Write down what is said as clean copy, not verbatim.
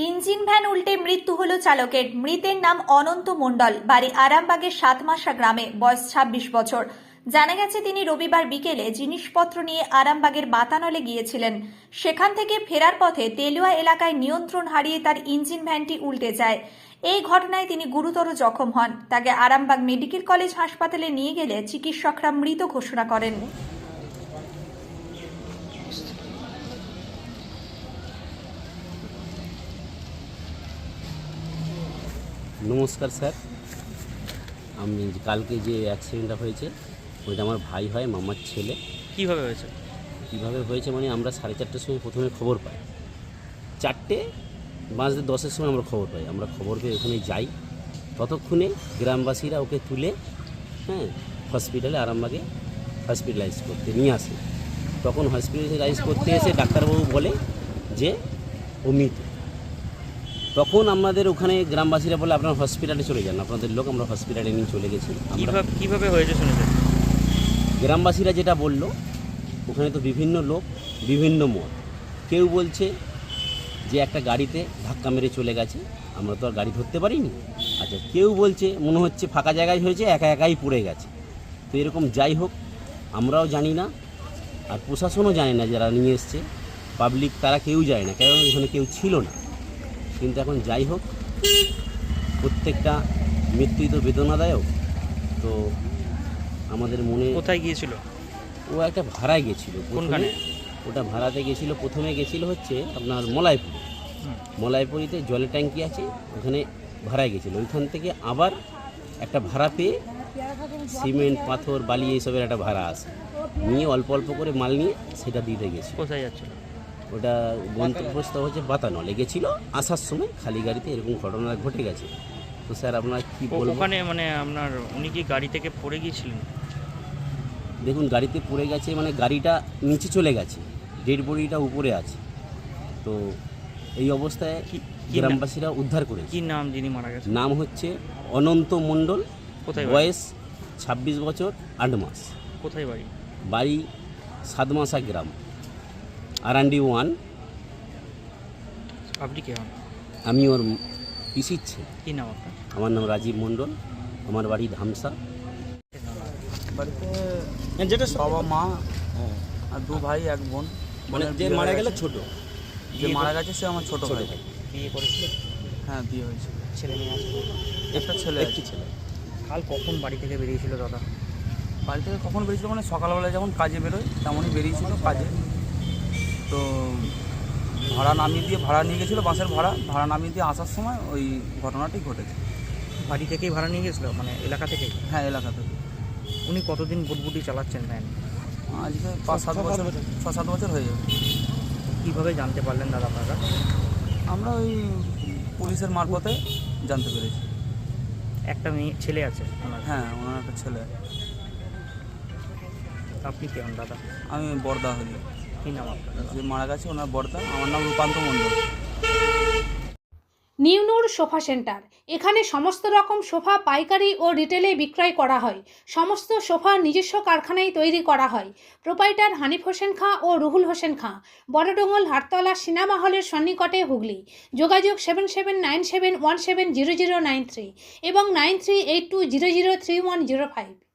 Engine van উল্টে মৃত্যু হলো চালকের। মৃতের নাম অনন্ত মণ্ডল, বাড়ি আরামবাগের সাতমাসা গ্রামে, বয়স ২৬ বছর। জানা গেছে তিনি রবিবার বিকেলে জিনিসপত্র নিয়ে আরামবাগের বাতানলে গিয়েছিলেন। সেখান থেকে ফেরার পথে তেলুয়া এলাকায় নিয়ন্ত্রণ হারিয়ে তার ইঞ্জিন ভ্যানটি উল্টে যায়। এই ঘটনায় তিনি গুরুতর জখম হন। তাকে আরামবাগ মেডিকেল কলেজ হাসপাতালে নিয়ে গেলে চিকিৎসকরা মৃত ঘোষণা করেন। নমস্কার স্যার, আমি কালকে যে অ্যাক্সিডেন্টটা হয়েছে ওইটা আমার ভাই হয়, মামার ছেলে। কীভাবে হয়েছে? কীভাবে হয়েছে মানে আমরা 4:30টার সময় প্রথমে খবর পাই, 4:05-10-এর সময় আমরা খবর পাই। আমরা খবর পেয়ে ওখানে যাই, ততক্ষণে গ্রামবাসীরা ওকে তুলে হসপিটালে আরামবাগে হসপিটালাইজ করতে নিয়ে আসে। তখন হসপিটালাইজ করতে এসে ডাক্তারবাবু বলে যে ও মৃত। তখন আমাদের ওখানে গ্রামবাসীরা বলে আপনারা হসপিটালে চলে যান, আপনাদের লোক। আমরা হসপিটালে নিয়ে চলে গেছি। কীভাবে হয়েছে শুনেছেন? গ্রামবাসীরা যেটা বলল, ওখানে তো বিভিন্ন লোক বিভিন্ন মত। কেউ বলছে যে একটা গাড়িতে ধাক্কা মেরে চলে গেছে, আমরা তো আর গাড়ি ধরতে পারিনি। আচ্ছা, কেউ বলছে মনে হচ্ছে ফাঁকা জায়গায় হয়েছে, একা একাই পড়ে গেছে। তো এরকম যাই হোক, আমরাও জানি না, আর প্রশাসনও জানে না, যারা নিয়ে এসছে পাবলিক তারা কেউ যায় না, কারণ ওখানে কেউ ছিল না। কিন্তু এখন যাই হোক, প্রত্যেকটা মৃত্যুই তো বেদনাদায়ক। তো আমাদের মনে কোথায় গিয়েছিল? ও একটা ভাড়ায় গেছিলো। কোনখানে? ওটা ভাড়াতে গেছিলো। প্রথমে গেছিলো হচ্ছে আপনার মলাইপুরিতে জলের ট্যাঙ্কি আছে, ওখানে ভাড়ায় গেছিলো। ওইখান থেকে আবার একটা ভাড়া পেয়ে সিমেন্ট, পাথর, বালি এইসবের একটা ভাড়া আসে, নিয়ে অল্প অল্প করে মাল নিয়ে সেটা দিতে গেছে। কোথায় যাচ্ছিল? ওটা গন্তব্যস্থল হচ্ছে বাতানলে গেছিলো। আসার সময় খালি গাড়িতে এরকম ঘটনা ঘটে গেছে। তো স্যার আপনার কী বলবো? ওখানে মানে উনি কি গাড়ি থেকে পড়ে গিয়েছিলেন? দেখুন, গাড়িতে পড়ে গেছে মানে গাড়িটা নিচে চলে গেছে, ডেড বডিটা উপরে আছে। তো এই অবস্থায় গ্রামবাসীরা উদ্ধার করেছে। কি নাম যিনি মারা গেছে? নাম হচ্ছে অনন্ত মণ্ডল, কোথায় বয়স 26 বছর 8 মাস। কোথায় বাড়ি? বাড়ি সাতমাসা গ্রাম, আরান্ডি 1। আপনি কে হন? আমি ওর পিসির ছেলে। কী নাম আপনার? আমার নাম রাজীব মণ্ডল, আমার বাড়ি ধামসা। বাড়িতে যেটা বাবা, মা আর 2 ভাই 1 বোন। মানে যে মারা গেল ছোট, যে মারা গেছে সে আমার ছোট ভাই। বিয়ে করেছিল? হ্যাঁ, বিয়ে হয়েছে। ছেলে মেয়ে আছে? একটা ছেলে। একটি ছেলে। কাল কখন বাড়ি থেকে বেরিয়েছিল দাদা? বাড়ি থেকে কখন বেরিয়েছিল মানে সকালবেলায় যেমন কাজে বেরোয় তেমনই বেরিয়েছিল কাজে। তো ভাড়া নিয়ে গেছিলো, বাসের ভাড়া নামিয়ে দিয়ে আসার সময় ওই ঘটনাটি ঘটেছে। বাড়ি থেকেই ভাড়া নিয়ে গেছিলো, মানে এলাকা থেকে? হ্যাঁ, এলাকা থেকে। উনি কতদিন বুটবুটি চালাচ্ছেন ভ্যান? আজকে 5-7 বছর, 6-7 বছর হয়ে যাবে। কীভাবে জানতে পারলেন দাদা আপনারা? আমরা ওই পুলিশের মারফতে জানতে পেরেছি। একটা মেয়ে ছেলে আছে ওনার? হ্যাঁ, ওনার একটা ছেলে। আপনি কে হন দাদা? আমি বর্দা হই। কী নাম আপনার দাদা? যে মারা গেছে ওনার বর্দা। আমার নাম রূপান্ত মণ্ডল। নিউনুর সোফা সেন্টার। এখানে সমস্ত রকম সোফা পাইকারি ও রিটেলে বিক্রয় করা হয়। সমস্ত সোফা নিজস্ব কারখানায় তৈরি করা হয়। প্রোপাইটার হানিফ হোসেন খাঁ ও রুহুল হোসেন খাঁ, বড়ডোঙ্গল, হাটতলা, সিনেমা হলের সন্নিকটে, হুগলি। যোগাযোগ 7797170093 এবং 9382003105।